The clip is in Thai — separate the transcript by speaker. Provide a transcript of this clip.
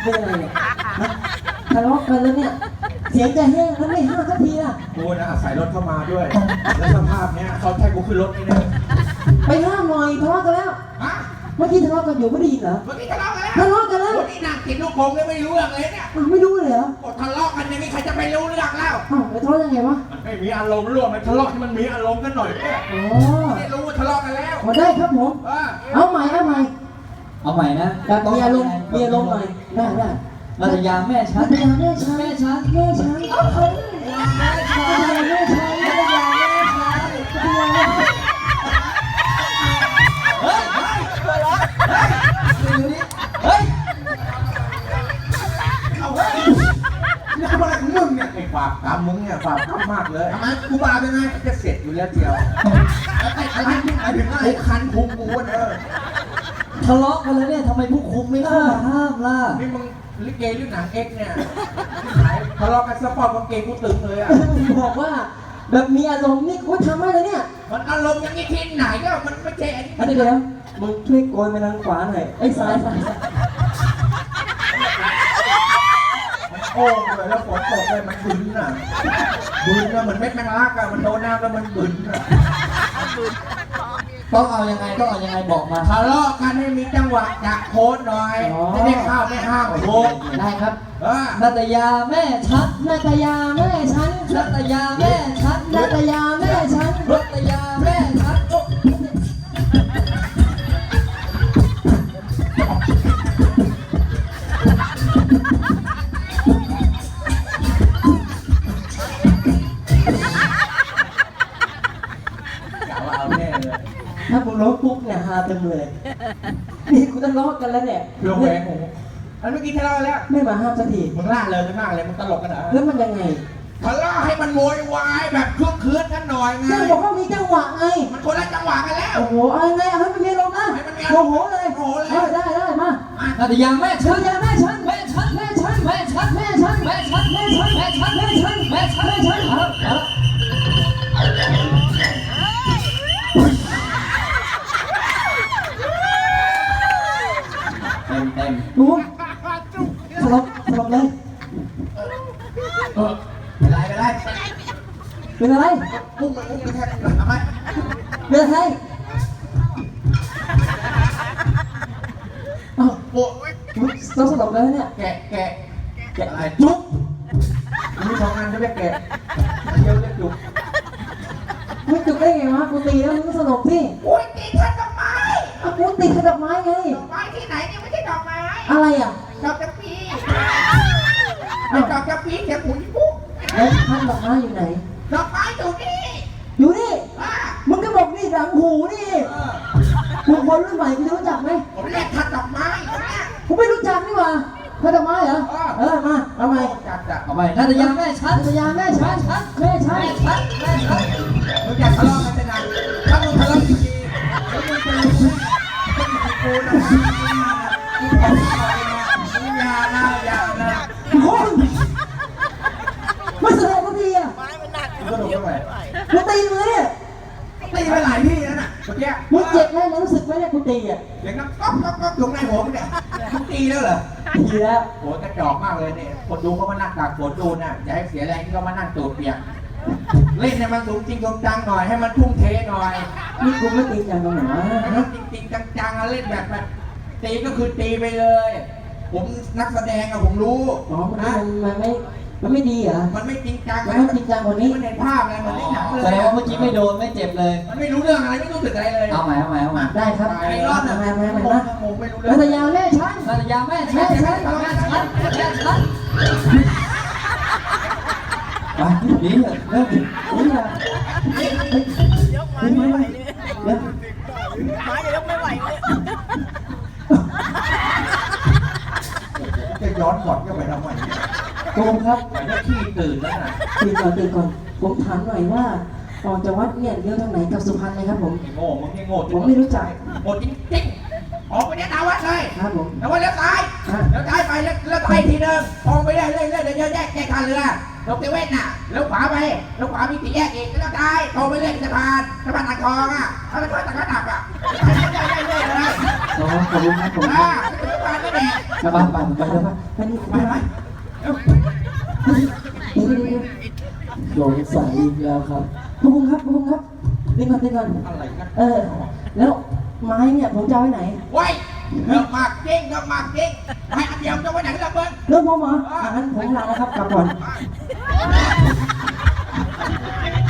Speaker 1: เป็นอะไรเนี่ยทะเลาะกันแล้วเนี่ยเสียงจะแห้งแล้วไม่ห้ามสักทีล่ะ
Speaker 2: กูนะอาศัยรถเข้ามาด้วยแล้วสภาพเนี้ยเขาแทกกูขึ้นรถนี่นะ
Speaker 1: ไปห้ามหน่อยทะเลาะกันแล้วเมื่อกี้ทะเลาะกันอยู่ไม่ได้ยินเหรอ
Speaker 2: เมื่อกี้ทะเลาะกันแล้ววันนี้นั่งกินลูกโป่งเลยไม่รู้เรื่องเลยเนี่ย
Speaker 1: ไม่รู้เลยเหรอ
Speaker 2: ทะเลาะกันอย่างนี้ใครจะไปรู้เรื่องแล้ว
Speaker 1: ไปทะเลาะยังไงวะ
Speaker 2: มันไม่มีอารมณ์ร่วมมันทะเลาะให้มันมีอารมณ์กันหน่อยเนี่ยไม่รู้ว่าทะเลาะกันแล้ว
Speaker 1: ได้ครับผมเอาใหม่นะแบบมีอารมณ์หน่อยได้
Speaker 3: นาตยาแม่ฉัน
Speaker 1: แม่ฉัน
Speaker 3: นาตยาแม่ฉันเฮ้ย
Speaker 2: เอาเฮ้ยนี่ทำอะไรของมึงเนี่ยไอ้บาปกรรมมึงเนี่ยบาปกรรมมากเลยทำไมกูบาปยังไงจะเสร็จอยู่แล้วเดียวอะไรถึงอะไรคันพุงกูเด้อ
Speaker 3: ทะเลาะกันแล้วเนี่ยทำไมผู้คุมไม่เข้ามาห้ามล่ะ
Speaker 2: นี่มึงลิเกหรือหนังเอ็กเนี่ยทะเลาะกันสปอร์ตกางเกงกูตึงเลยอ่ะ
Speaker 1: บอกว่าแบบมีอารมณ์นี่กูทำอะไรเนี่ย
Speaker 2: มันอารมณ์อย่างนี้ที่ไหนก็มันไม่ใช่
Speaker 1: อันนี้เดี๋ยวมึงช่วยโกยไปทางขวาหน่อยไอ้ซ้าย
Speaker 2: โอ้เลยแล้วฝนตกเลยมันบึ้นอ่ะเหมือนเม็ดแมงลักอ่ะมันโดนน้ำแล้วมันบึ้นอ่ะ
Speaker 3: ต้องเอายังไงบอกมา
Speaker 2: ทะเลาะกันให้มีจังหวะจะโค้ดหน่อยจะได้ข้าวไม่ห้ามโค้ด
Speaker 1: ได้ครับ
Speaker 3: นาตยาแม่ฉัน
Speaker 1: นาตยาแม่ฉัน
Speaker 3: นาตยาแม่ฉัน
Speaker 1: นาตยาแม่ฉัน
Speaker 3: นาตยาแม่ฉัน
Speaker 1: ถ้ามึงร้องปุ๊บเนี่ยฮาเต็มเลยนี่กูต้องร้องกันแล้วเนี่ย
Speaker 2: เรื่องแหวงผมอันเมื่อกี้ทะเลาะแล้ว
Speaker 1: ไม่มาห้ามสักที
Speaker 2: มึงล่าเลยกันมากเลยมึงตลกกันเหรอ
Speaker 1: แล้วมันยังไง
Speaker 2: ทะเลาะให้มันโวยวายแบบเครื่องคืนกันหน่อยไง
Speaker 1: ก็บอกว่ามีจังหวะไง
Speaker 2: มันคนละจังหวะกันแล้ว
Speaker 1: โอ้โหเอาไงให้มันมีลมนะโอ้โหเลยได้มา
Speaker 3: นาตยาแม่ฉัน
Speaker 1: นาตยาแม่ฉันแม่ฉันแม่ฉันแม่ฉันแม่ฉันแม่ฉันแม่ฉันแม่ฉันแม่ฉันแม่ฉันแม่ฉัน
Speaker 3: เต็ม
Speaker 1: ดูสลบเลยเป็นอะไร
Speaker 2: พุ่งมันแทบทำไม
Speaker 1: เป็นอะไรอ้าว
Speaker 2: โอ้ย
Speaker 1: ต้องสลบเลยเนี่ย
Speaker 2: แกะอะไรจุ๊บมีสองอันจะเรียกแกะเดี๋ยวเรียกจุ๊บ
Speaker 1: มึงจุ๊บได้ไงวะกูตีแล้วมึงก็สลบสิ
Speaker 2: โอ้ยตีขัดดอกไม้
Speaker 1: กูตีขัดดอกไม้ไง
Speaker 2: ดอกไม้ที่ไหนเนี่ยไม่ใช่ดอกไม้
Speaker 1: อะไรอ่ะ
Speaker 2: ดอกจำปีดอกจำปีเขียวปุ๋ยปุ๊บ
Speaker 1: แล้วท่านดอกไม้อยู่ไหน
Speaker 2: ดอกไม้อยู่นี่
Speaker 1: มึงก็บอกนี่หลังหูนี่มึงคนรุ่นใหม่มึงรู้จักไหม
Speaker 2: ผมเรียกขัดดอกไม้
Speaker 1: ผมไม่รู้จักนี่หว่าขัดดอกไม้เหรอมาเอาใหม่
Speaker 3: เอาใหม่นาตยาแม่ฉัน
Speaker 1: นาตยาแม่ฉันแม่ฉัน
Speaker 2: มึงอยากทะเลาะกันจะนานถ้ามึงทะเลาะจริงๆแล้วมึงจะรู้กูนะอย่านะ
Speaker 1: คนไม่แสดงก็ดีอ่ะ
Speaker 2: ก็โดนเข้าไป
Speaker 1: กูตีมือเนี่ย
Speaker 2: ตีไปหลายที่แล้วน่ะเมื่อกี้
Speaker 1: มึงเจ็บแล้วรู้สึกไหมเนี่ยกูตีอ่ะ
Speaker 2: อย่างนั้นก๊อกตรงในหัวมึงเนี่ยมึงตีแล้วเหรอ
Speaker 1: ตีแล้ว
Speaker 2: โหกระจอกมากเลยเนี่ยคนดูเขามานั่งตากฝนดูนะอย่าให้เสียแรงที่เขามานั่งตูดเปียกเล่นให้มันสูงจริงจังหน่อยให้มันทุ่มเทหน่อย
Speaker 1: นี่กูไม่ตีจังตรงไหนวะ
Speaker 2: ให้มันจริงจังเล่นแบบตีก็คือตีไปเลย ผมนักแสดงอะผมรู้
Speaker 1: มันไม่ดีเหรอ
Speaker 2: มันไม่จริงจัง
Speaker 1: มันไม่จริงจังกว่านี้
Speaker 2: มันเห็นภาพไงมันไม่หนังเลย
Speaker 3: แสดงว่าเมื่อกี้ไม่โดนไม่เจ็บเลย
Speaker 2: มันไม่รู้เรื่องอะไรไม่รู้สึกอะไรเลย
Speaker 3: เอาใหม่
Speaker 1: ได้ครับ
Speaker 2: ไอ้รอดนะ
Speaker 1: ผมไม่รู้เรื่องนาตยาแม่ฉัน
Speaker 3: นาตยาแม่ฉันไปนี่เลยเริ่ม
Speaker 1: นี่แหละ
Speaker 4: ยกไม้ไม่ไหวเลยไม้จะยกไม่ไหวเลย
Speaker 2: จะย้อนสอนก็ไปทำไม
Speaker 1: โกงครับ
Speaker 2: จะขี้ตื่นแล้วนะ
Speaker 1: ตื่นก่อนผมถามหน่อยว่าออกจากวัดเนี่ยเลี้ยวทางไหนกับสุพรรณเลยครับผม
Speaker 2: โง่มึงโง่
Speaker 1: ผมไม่รู้จัก
Speaker 2: โง่จริงๆออกไปเนี่ยนาวัดเลย
Speaker 1: ครับผม
Speaker 2: นาวัดเลี้ยวซ้ายไปแล้วไปทีนึงออกไปได้เรื่อยๆเดี๋ยวแยกท่าเรือลงเตเว่นน่ะแล้วขวาไปแล้วขวามีสี่แยกอีกแล้วซ้ายตรงไปเรื่อยสะพานอ่างทองอ่ะแล้วก็ตะกระดับอ่ะเรื่อยเลย
Speaker 1: ขอบคุณครับผม
Speaker 2: สะพานไม่แดง
Speaker 3: กลับบ้านไปไปแล้วป่ะ
Speaker 1: ไปนี่
Speaker 2: ไปไป
Speaker 3: สงสัยอีกแล้วครับ
Speaker 1: พระองค์ครับพระองค์ครับนี่ก่อนนี่ก่อน
Speaker 2: อะไรกัน
Speaker 1: แล้วไม้เนี่ยผมจะเอาไว้ไหน
Speaker 2: ไว้เลิกมากจริงเลิกมากจริงให้อันเดียวจะไว้ไหนล่ะเบิ้ล
Speaker 1: เริ่มพร้อมเหรองั้นผมลาแล้วครับกลับก่อน
Speaker 2: ไ